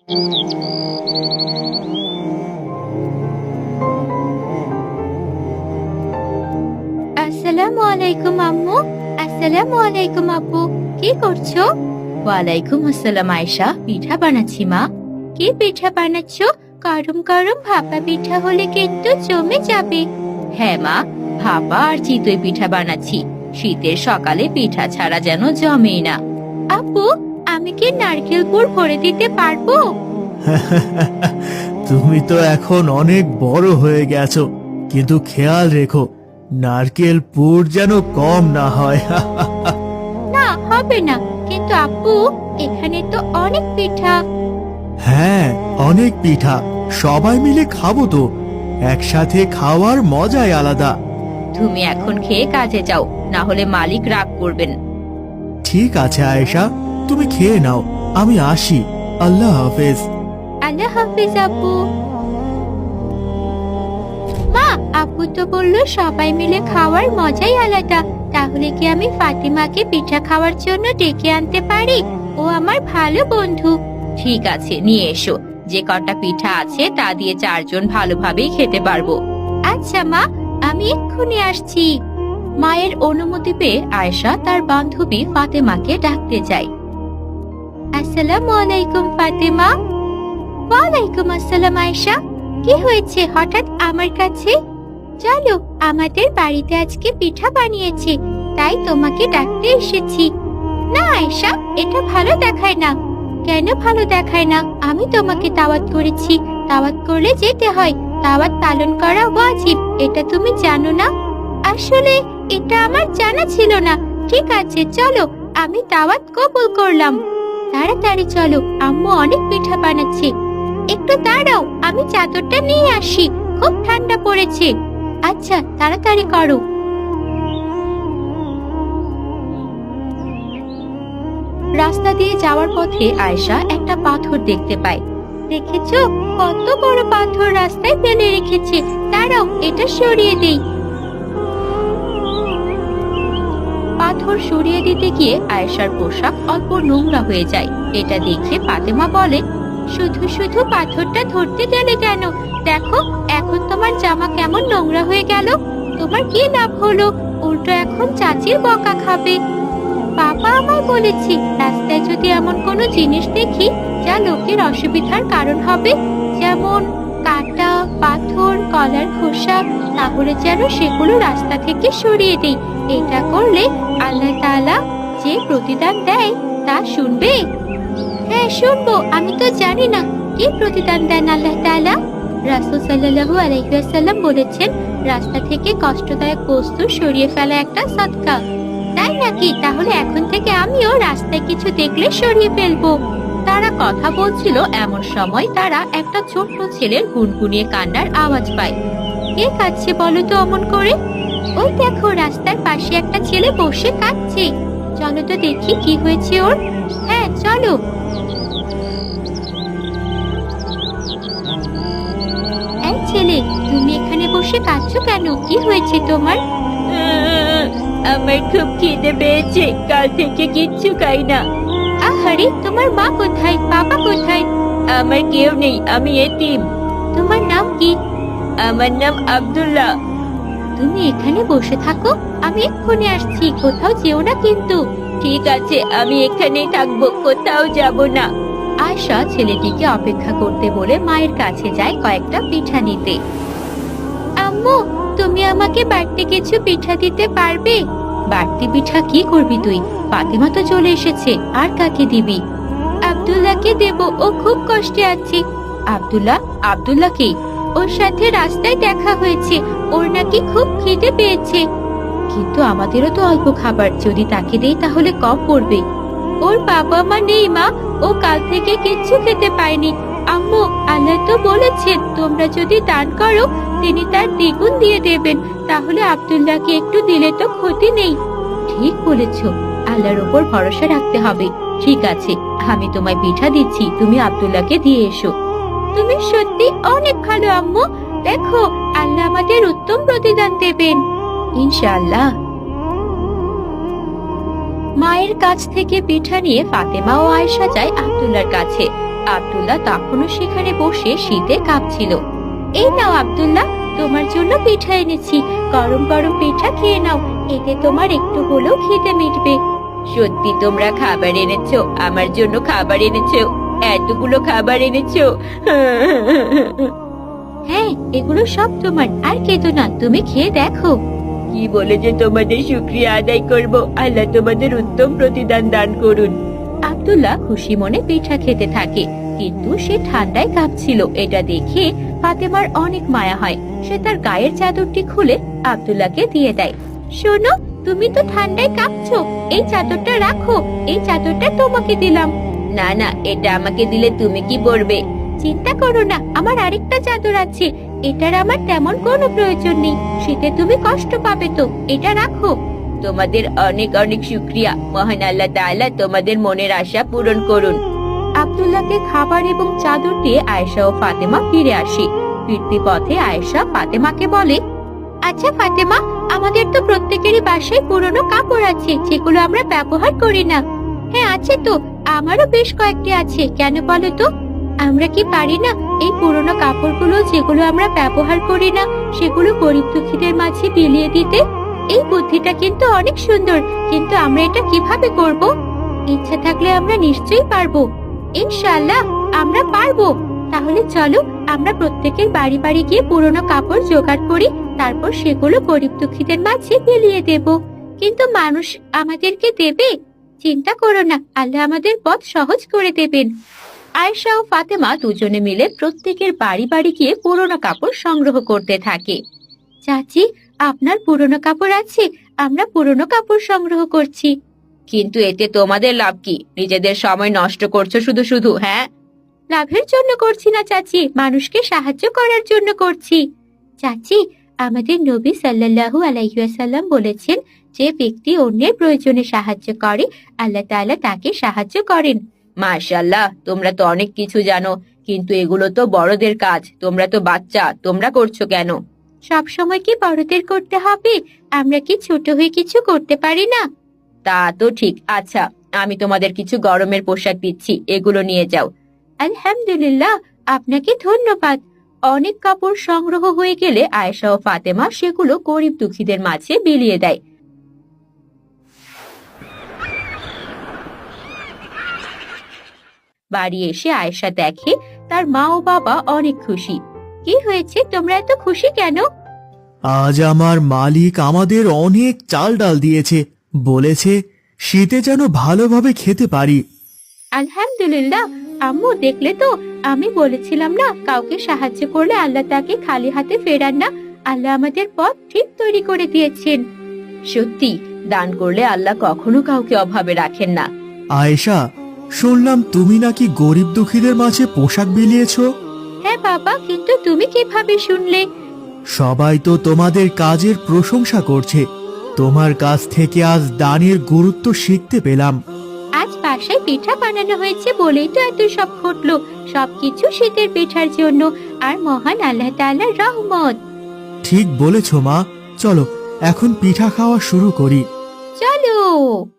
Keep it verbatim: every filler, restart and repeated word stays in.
আসসালামু আলাইকুম আম্মু। আসসালামু আলাইকুম আব্বু। কি করছো? ওয়ালাইকুম আসসালাম আয়েশা, পিঠা বানাচ্ছি মা। কি পিঠা বানাচ্ছো? গরম গরম ভাপা পিঠা হলে কিন্তু জমে যাবে। হ্যাঁ মা, ভাপা আর চিতই পিঠা বানাচ্ছি। শীতের সকালে পিঠা ছাড়া যেন জমেই না। আপু, আমি কি নারকেল পুর ভরে দিতে পারবো? তুমি তো এখন অনেক বড় হয়ে গেছো, কিন্তু খেয়াল রেখো নারকেল পুর যেন কম না হয়। না, হবে না। কিন্তু আপু, এখানে তো অনেক পিঠা। হ্যাঁ, অনেক পিঠা, সবাই মিলে খাবো তো। একসাথে খাওয়ার মজাই আলাদা। তুমি এখন খেয়ে কাজে যাও, না হলে মালিক রাগ করবেন। ঠিক আছে আয়েশা, তুমি খেয়ে নাও, আমি আসি। আল্লাহ হাফেজ। আল্লাহ হাফিজ আপু। মা, আপু তো বললো সবাই মিলে খাওয়ার মজাই আলাদা। তাহলে কি আমি ফাতিমাকে পিঠা খাওয়ার জন্য ডেকে আনতে পারি? ও আমার ভালো বন্ধু। ঠিক আছে, নিয়ে এসো। যে কটা পিঠা আছে তা দিয়ে চারজন ভালোভাবেই খেতে পারবো। আচ্ছা মা, আমি এক্ষুনি আসছি। মায়ের অনুমতি পেয়ে আয়েশা তার বান্ধবী ফাতেমাকে ডাকতে যায়। আসসালামু আলাইকুম ফাতেমা। ওয়ালাইকুম আসসালাম আয়েশা। কি হয়েছে হঠাৎ আমার কাছে? চলো, আমাদের বাড়িতে আজকে পিঠা বানিয়েছে, তাই তোমাকে ডাকতে এসেছি। না আয়েশা, এটা ভালো দেখায় না। কেন ভালো দেখায় না? আমি তোমাকে দাওয়াত করেছি, দাওয়াত করলে যেতে হয়। দাওয়াত পালন করা ওয়াজিব, এটা তুমি জানো না? আসলে এটা আমার জানা ছিল না। ঠিক আছে চলো, আমি দাওয়াত কবুল করলাম। তাড়াতাড়ি চলো, আম্মু অনেক পিঠা বানাচ্ছে। একটু দাঁড়াও, আমি চাদরটা নিয়ে আসি, খুব ঠান্ডা পড়েছে। আচ্ছা, তাড়াতাড়ি করো। রাস্তা দিয়ে যাওয়ার পথে আয়েশা একটা পাথর দেখতে পায়। দেখেছো কত বড় পাথর রাস্তায় ফেলে রেখেছে? দাঁড়াও, এটা সরিয়ে দেই। পাথর সরিয়ে দিতে গিয়ে আয়েশার পোশাক অল্প নোংরা হয়ে যায়। এটা দেখে ফাতেমা বলে, শুধু শুধু পাথরটা ধরতে গেলে কেন? দেখো এখন তোমার জামা কেমন নোংরা হয়ে গেল। তোমার কি লাভ হলো? উল্টো এখন চাচির বকা খাবে। বাবা আমায় বলেছে রাস্তায় যদি এমন কোনো জিনিস দেখি যা লোকের অসুবিধার কারণ হবে, যেমন কাঁটা, পাথর, কলার খোসা, তাহলে যেন সেগুলো রাস্তা থেকে সরিয়ে দিই। এটা করলে আল্লাহ তাআলা যে প্রতিদান দেয় তা শুনবে। হ্যাঁ শুনবো, আমি তো জানি না কি প্রতিদান দেন আল্লাহ তাআলা। রাসূল সাল্লাল্লাহু আলাইহি ওয়াসাল্লাম বলেছেন, রাস্তা থেকে কষ্টদায়ক বস্তু সরিয়ে ফেলা একটা সদকা। তাই নাকি? তাহলে এখন থেকে আমিও রাস্তায় কিছু দেখলে সরিয়ে ফেলবো। তারা কথা বলছিল, এমন সময় তারা একটা ছোট্ট ছেলের গুনগুনিয়ে কান্নার আওয়াজ পায়। কে কাঁদছে বলো তো অমন করে? ওই দেখো, রাস্তার পাশে একটা ছেলে বসে কাঁদছে। চলো তো দেখি কি হয়েছে ওর। হ্যাঁ চলো। এই ছেলে, তুমি এখানে বসে কাঁদছো কেন? কি হয়েছে তোমার? আমার খুব খিদে পেয়েছে, কাল থেকে কিচ্ছু খাই না। আহারে, তোমার মা কোথায়, বাবা কোথায়? আমার কেউ নেই, আমি এতিম। তোমার নাম কি? আমার নাম আব্দুল্লাহ। তুমি এখানে বসে থাকো, আমি এক্ষুনি আসছি, কোথাও যেও না কিন্তু। ঠিক আছে, আমি এখানেই থাকবো, কোথাও যাব না। আয়শা ছেলেটিকে অপেক্ষা করতে বলে মায়ের কাছে যায় কয়েকটা পিঠা নিতে। আম্মু, তুমি আমাকে বাড়তি কিছু পিঠা দিতে পারবে? বাড়তি পিঠা কি করবি তুই? ফাতেমা তো চলে এসেছে, আর কাকে দিবি? আব্দুল্লাহকে দেব, ও খুব কষ্টে আছে। আব্দুল্লাহ? আব্দুল্লাহ কে? ওর সাথে রাস্তায় দেখা হয়েছে, ওর নাকি খুব খিদে পেয়েছে। কিন্তু আমাদেরও তো অল্প খাবার, যদি তাকে দেই তাহলে কম পড়বে। ওর বাবা মা নেই মা, ও কাল থেকে কিচ্ছু খেতে পায়নি। আম্মু, আল্লাহ তো বলেছেন তোমরা যদি দান করো তিনি তার দ্বিগুণ দিয়ে দেবেন। তাহলে আব্দুল্লাহকে একটু দিলে তো ক্ষতি নেই। ঠিক বলেছ, আল্লাহর উপর ভরসা রাখতে হবে। ঠিক আছে, আমি তোমায় পিঠা দিচ্ছি, তুমি আব্দুল্লাহকে দিয়ে এসো। তুমি সত্যি অনেক ভালো আম্মু। দেখো, আল্লাহ আমাদের উত্তম প্রতিদান দেবেন ইনশাআল্লাহ। মায়ের কাছ থেকে পিঠা নিয়ে ফাতেমা ও আয়েশা যায় আব্দুল্লাহর কাছে। আব্দুল্লাহ তখনও সেখানে বসে শীতে কাঁপছিল। এই নাও আব্দুল্লাহ, তোমার জন্য পিঠা এনেছি। গরম গরম পিঠা খেয়ে নাও, এতে তোমার একটু হলেও খিদে মিটবে। সত্যি তোমরা খাবার এনেছো? আমার জন্য খাবার এনেছো? এতগুলো খাবার এনেছো? হ্যাঁ, এগুলো সব তোমার। আর কেঁদো না, তুমি খেয়ে দেখো। কি বলে যে তোমাদের শুকরিয়া আদায় করব? আল্লাহ তোমাদের উত্তম প্রতিদান দান করুন। আব্দুল্লাহ খুশি মনে পিঠা খেতে থাকে, কিন্তু সে ঠান্ডায় কাঁপছিল। এটা দেখে ফাতেমার অনেক মায়া হয়। সে তার গায়ের চাদরটি খুলে আব্দুল্লাহকে দিয়ে দেয়। শোনো, তুমি তো ঠান্ডায় কাঁপছো, এই চাদরটা রাখো। এই চাদরটা তোমাকে দিলাম। না না, এটা আমাকে দিলে তুমি কি পরবে? চিন্তা করো না, আমার আরেকটা চাদর আছে। এটার আমার তেমন কোনো প্রয়োজন নেই, শীতে তুমি কষ্ট পাবে তো। এটা রাখো। তোমাদের অনেক অনেক শুকরিয়া। মহান আল্লাহ তাআলা তোমাদের মনের আশা পূরণ করুন। আব্দুল্লাহকে খাবার এবং চাদর দিয়ে আয়েশা ও ফাতেমা ফিরে আসে। ফিরতি পথে আয়েশা ফাতেমাকে বলে, আচ্ছা ফাতেমা, আমাদের তো প্রত্যেকেরই বাসায় পুরনো কাপড় আছে, যেগুলো আমরা ব্যবহার করি না। হ্যাঁ আছে তো, আমারও বেশ কয়েকটি আছে। কেন বলো তো? আমরা কি পারি না এই পুরনো কাপড়গুলো, যেগুলো আমরা ব্যবহার করি না, সেগুলো গরিব দুঃখীদের মাঝে বিলিয়ে দিতে? এই বুদ্ধিটা কিন্তু অনেক সুন্দর, কিন্তু আমরা এটা কিভাবে করব? ইচ্ছা থাকলে আমরা নিশ্চয়ই পারবো। ইনশাআল্লাহ আমরা পারবো। তাহলে চলো, আমরা প্রত্যেকের বাড়ি বাড়ি গিয়ে পুরনো কাপড় জোগাড় করি, তারপর সেগুলো গরিব দুঃখীদের মাঝে বিলিয়ে দেব। কিন্তু মানুষ আমাদেরকে দেবে? চিন্তা করো না, আল্লাহ আমাদের পথ সহজ করে দেবেন। আয়েশা ও ফাতেমা দুজনে মিলে প্রত্যেকের বাড়ি বাড়ি গিয়ে পুরনো কাপড় সংগ্রহ করতে থাকে। চাচি, আপনার পুরনো কাপড় আছে? আমরা পুরনো কাপড় সংগ্রহ করছি। কিন্তু এতে তোমাদের লাভ কি? নিজেদের সময় নষ্ট করছো শুধু শুধু। হ্যাঁ, লাভের জন্য করছি না চাচি, মানুষকে সাহায্য করার জন্য করছি। চাচি, আমাদের নবী সাল্লাল্লাহু আলাইহি ওয়াসাল্লাম বলেছেন, যে ব্যক্তি অন্যের প্রয়োজনে সাহায্য করে, আল্লাহ তাআলা তাকে সাহায্য করেন। মাশাআল্লাহ, তোমরা তো অনেক কিছু জানো, কিন্তু এগুলো তো বড়দের কাজ। তোমরা তো বাচ্চা, তোমরা করছো কেন? সব সময় কি বড়দের করতে হবে? আমরা কি ছোট হয়ে কিছু করতে পারি না? তা তো ঠিক। আচ্ছা, আমি তোমাদের কিছু গরমের পোশাক দিচ্ছি, এগুলো নিয়ে যাও। আলহামদুলিল্লাহ, আপনাকে ধন্যবাদ। অনেক কাপড় সংগ্রহ হয়ে গেলে আয়েশা ও ফাতেমা সেগুলো গরিব দুঃখীদের মাঝে বিলিয়ে দেয়। বাড়ি এসে আয়েশা দেখে তার মা ও বাবা অনেক খুশি। কি হয়েছে, তোমরা এত খুশি কেন? আজ আমার মালিক আমাদের অনেক চাল ডাল দিয়েছে, বলেছে শীতে যেন ভালোভাবে খেতে পারি। আলহামদুলিল্লাহ। আম্মু, দেখলে তো, আমি বলেছিলাম না, কাউকে সাহায্য করলে আল্লাহ তাকে খালি হাতে ফেরান না। আল্লাহ আমাদের পথ ঠিক তৈরি করে দিয়েছেন। সত্যি, দান করলে আল্লাহ কখনো কাউকে অভাবে রাখেন না। আয়েশা, শুনলাম তুমি নাকি গরিব দুঃখীদের মাঝে পোশাক বিলিয়েছো? হ্যাঁ বাবা, কিন্তু তুমি কিভাবে শুনলে? সবাই তো তোমাদের কাজের প্রশংসা করছে। তোমার কাছ থেকে আজ দানের গুরুত্ব শিখতে পেলাম। আজ বাসায় পিঠা বানানো হয়েছে বলেই তো এত সব ঘটলো। সবকিছু শীতের পিঠার জন্য, আর মহান আল্লাহ তাআলার রহমত। ঠিক বলেছো মা, চলো এখন পিঠা খাওয়া শুরু করি। চলো।